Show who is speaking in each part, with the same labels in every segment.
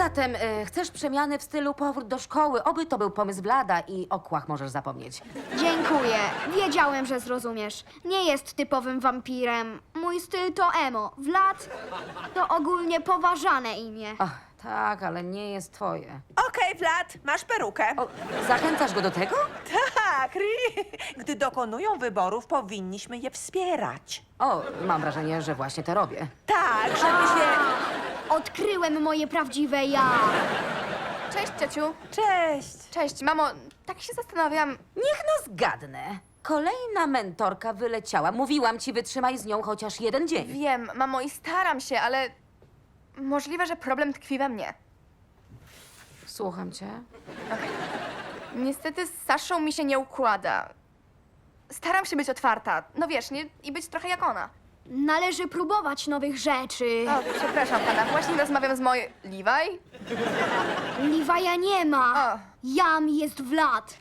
Speaker 1: Zatem chcesz przemiany w stylu powrót do szkoły. Oby to był pomysł Vlada i o kłach możesz zapomnieć.
Speaker 2: Dziękuję. Wiedziałem, że zrozumiesz. Nie jest typowym wampirem. Mój styl to emo. Vlad to ogólnie poważane imię.
Speaker 1: Ach, tak, ale nie jest twoje.
Speaker 3: Okej, Vlad, masz perukę.
Speaker 1: O, zachęcasz go do tego?
Speaker 3: Tak, gdy dokonują wyborów, powinniśmy je wspierać.
Speaker 1: O, mam wrażenie, że właśnie to robię.
Speaker 3: Tak, żeby się...
Speaker 2: Odkryłem moje prawdziwe ja.
Speaker 4: Cześć, ciociu.
Speaker 3: Cześć.
Speaker 4: Cześć, mamo. Tak się zastanawiam.
Speaker 1: Niech no zgadnę. Kolejna mentorka wyleciała. Mówiłam ci, wytrzymaj z nią chociaż jeden dzień.
Speaker 4: Wiem, mamo, i staram się, ale możliwe, że problem tkwi we mnie.
Speaker 1: Słucham cię.
Speaker 4: Niestety z Saszą mi się nie układa. Staram się być otwarta, no wiesz, nie? I być trochę jak ona.
Speaker 2: Należy próbować nowych rzeczy.
Speaker 4: O, przepraszam pana, właśnie rozmawiam z mojej... Levi?
Speaker 2: Liwaja nie ma.
Speaker 4: O.
Speaker 2: Jam jest Vlad.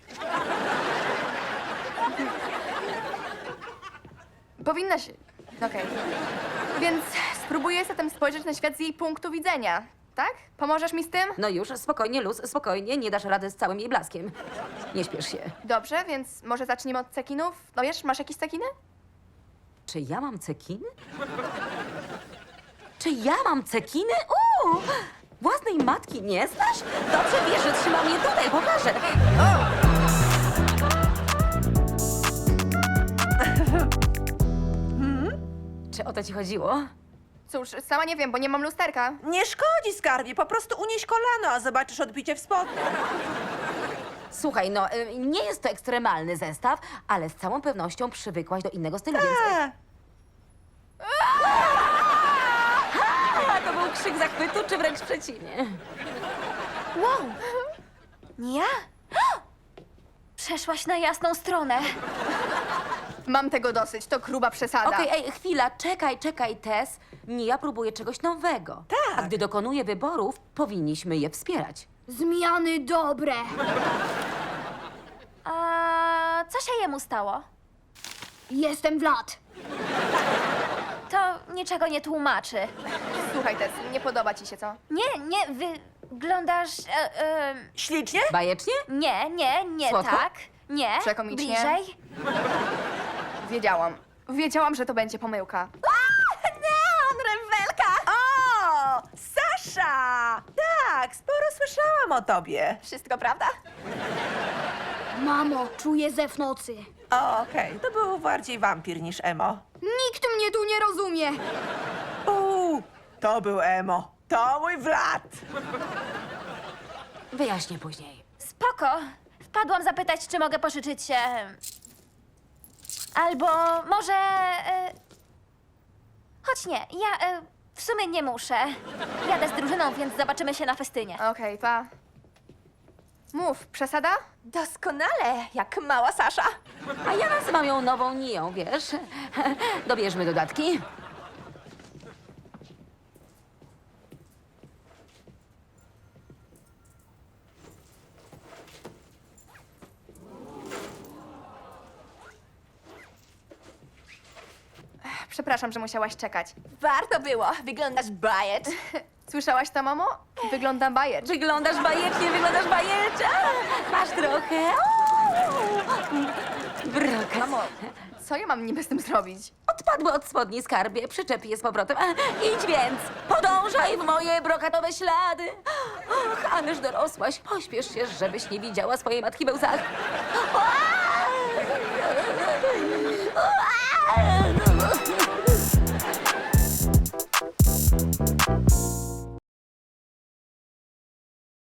Speaker 4: Powinna się... Okej. Więc spróbuję zatem spojrzeć na świat z jej punktu widzenia, tak? Pomożesz mi z tym?
Speaker 1: No już, spokojnie, luz, spokojnie. Nie dasz rady z całym jej blaskiem. Nie śpiesz się.
Speaker 4: Dobrze, więc może zacznijmy od cekinów? No wiesz, masz jakieś cekiny?
Speaker 1: Czy ja mam cekiny? Czy ja mam cekiny? Własnej matki nie znasz? Dobrze wiesz, że trzymam je tutaj, pokażę. Czy o to ci chodziło?
Speaker 4: Cóż, sama nie wiem, bo nie mam lusterka.
Speaker 3: Nie szkodzi, skarbie, po prostu unieś kolano, a zobaczysz odbicie w spodniach.
Speaker 1: Słuchaj, no, nie jest to ekstremalny zestaw, ale z całą pewnością przywykłaś do innego stylu, więc... A, to był krzyk zachwytu, czy wręcz przeciwnie?
Speaker 5: Wow! Nie ja? Przeszłaś na jasną stronę.
Speaker 4: Mam tego dosyć, to gruba przesada.
Speaker 1: Okej, ej, chwila, czekaj, Tess. Nie, ja próbuję czegoś nowego.
Speaker 3: Tak.
Speaker 1: A gdy dokonuję wyborów, powinniśmy je wspierać.
Speaker 2: Zmiany dobre.
Speaker 5: A co się jemu stało?
Speaker 2: Jestem Vlad.
Speaker 5: To niczego nie tłumaczy.
Speaker 4: Słuchaj, Tess, nie podoba ci się, co?
Speaker 5: Nie, wyglądasz...
Speaker 3: Ślicznie?
Speaker 1: Bajecznie?
Speaker 5: nie
Speaker 1: Słodko?
Speaker 5: tak. Nie,
Speaker 4: Przekomicznie?
Speaker 5: bliżej.
Speaker 4: Wiedziałam, że to będzie pomyłka.
Speaker 5: Neon, rewelka!
Speaker 3: O, Sasza! Tak, sporo słyszałam o tobie.
Speaker 4: Wszystko prawda?
Speaker 2: Mamo, czuję zew nocy.
Speaker 3: O, okej, to był bardziej wampir niż emo.
Speaker 2: Nikt mnie tu nie rozumie.
Speaker 3: To był emo. To mój Vlad.
Speaker 1: Wyjaśnię później.
Speaker 5: Spoko. Wpadłam zapytać, czy mogę pożyczyć się... Albo może... Choć nie, ja w sumie nie muszę. Jadę z drużyną, więc zobaczymy się na festynie.
Speaker 4: Okej, pa. Mów, przesada?
Speaker 5: Doskonale, jak mała Sasza.
Speaker 1: A ja nazywam ją nową Nią, wiesz? Dobierzmy dodatki.
Speaker 4: Przepraszam, że musiałaś czekać.
Speaker 5: Warto było, wyglądasz bajet.
Speaker 4: Słyszałaś to, mamo? Wyglądam bajecznie.
Speaker 1: Wyglądasz bajecznie. Masz trochę. Brokat.
Speaker 4: Mamo, co ja mam niby z tym zrobić?
Speaker 1: Odpadły od spodni, skarbie. Przyczep je z powrotem. Idź więc. Podążaj w moje brokatowe ślady. Och, ależ dorosłaś. Pośpiesz się, żebyś nie widziała swojej matki we łzach.